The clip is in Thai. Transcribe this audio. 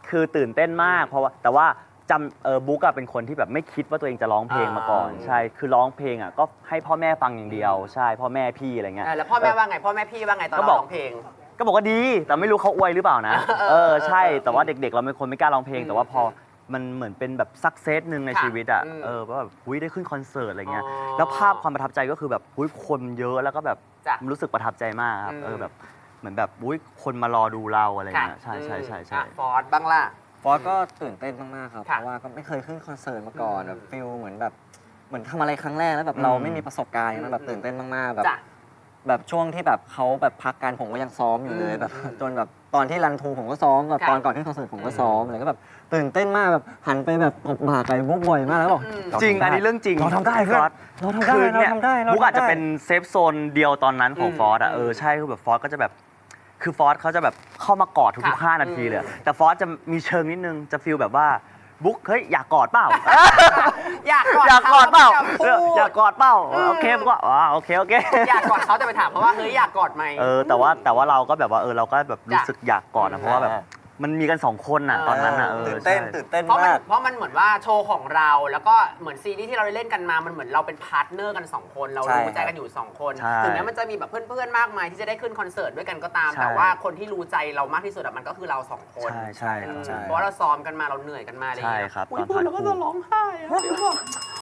คือตื่นเต้นมากเพราะว่าแต่ว่าจำบุ๊กอะเป็นคนที่แบบไม่คิดว่าตัวเองจะร้องเพลงมาก่อนใช่คือร้องเพลงอะก็ให้พ่อแม่ฟังอย่างเดียวใช่พ่อแม่พี่อะไรเงี้ยแล้วพ่อแม่ว่าไงพ่อแม่พี่ว่าไงตอนเราร้องเพลงก็บอกว่าดีแต่ไม่รู้เขาอวยหรือเปล่านะใช่แต่ว่าเด็กๆเราเป็นคนไม่กล้าร้องเพลงแต่ว่าพอมันเหมือนเป็นแบบซักเซสหนึ่งในชีวิตอ่ะว่าแบบได้ขึ้นคอนเสิร์ตอะไรเงี้ยแล้วภาพความประทับใจก็คือแบบคนเยอะแล้วก็แบบรู้สึกประทับใจมากครับแบบเหมือนแบบคนมารอดูเราอะไรเงี้ยใช่ฟอร์ดบ้างล่ะฟอสก็ตื่นเต้นมากๆครับเพราะว่าก็ไม่เคยขึ้นคอนเสิร์ตมาก่อนแบบฟิลเหมือนทำอะไรครั้งแรกแล้วแบบเราไม่มีประสบการณ์มันแบบตื่นเต้นมากๆแบบช่วงที่แบบเขาแบบพักกันผมก็ยังซ้อมอยู่เลยแบบจนแบบตอนที่รันทูผมก็ซ้อมแบบตอนก่อนขึ้นคอนเสิร์ตผมก็ซ้อมอะไรก็แบบตื่นเต้นมากแบบหันไปแบบตบบ่าไปบุ๊กบ่อยมากแล้วบอกจริงอันนี้เรื่องจริงเราทำได้เพื่อนเราทำได้บุ๊กอาจจะเป็นเซฟโซนเดียวตอนนั้นของฟอสอ่ะใช่คือแบบฟอสก็จะแบบคือฟอสเขาจะแบบเข้ามากอดทุกๆ5 นาทีเลยแต่ฟอสจะมีเชิงนิดนึงจะฟีลแบบว่าบุ๊กเฮ้ยอยากกอดเปล่าอยากกอดเปล่าอยากกอดเปล่าโอเคบุ๊กว่าโอเคอยากกอดเขาแต่ไปถามเพราะว่าเฮ้ยอยากกอดไหมแต่ว่าเราก็แบบว่าเราก็แบบรู้สึกอยากกอดนะเพราะว่าแบบมันมีกัน2 คนน่ะตอนนั้นน่ะตื่นเต้นมากเพราะมันเหมือนว่าโชว์ของเราแล้วก็เหมือนซีรีส์ที่เราได้เล่นกันมามันเหมือนเราเป็นพาร์ทเนอร์กัน2 คนเรารู้ใจกันอยู่2 คนถึงแม้มันจะมีแบบเพื่อนๆมากมายที่จะได้ขึ้นคอนเสิร์ตด้วยกันก็ตามแต่ว่าคนที่รู้ใจเรามากที่สุดมันก็คือเรา2 คนใช่เพราะว่าเราซ้อมกันมาเราเหนื่อยกันมาเลยใช่ครับพูดแล้วก็จะร้องไห้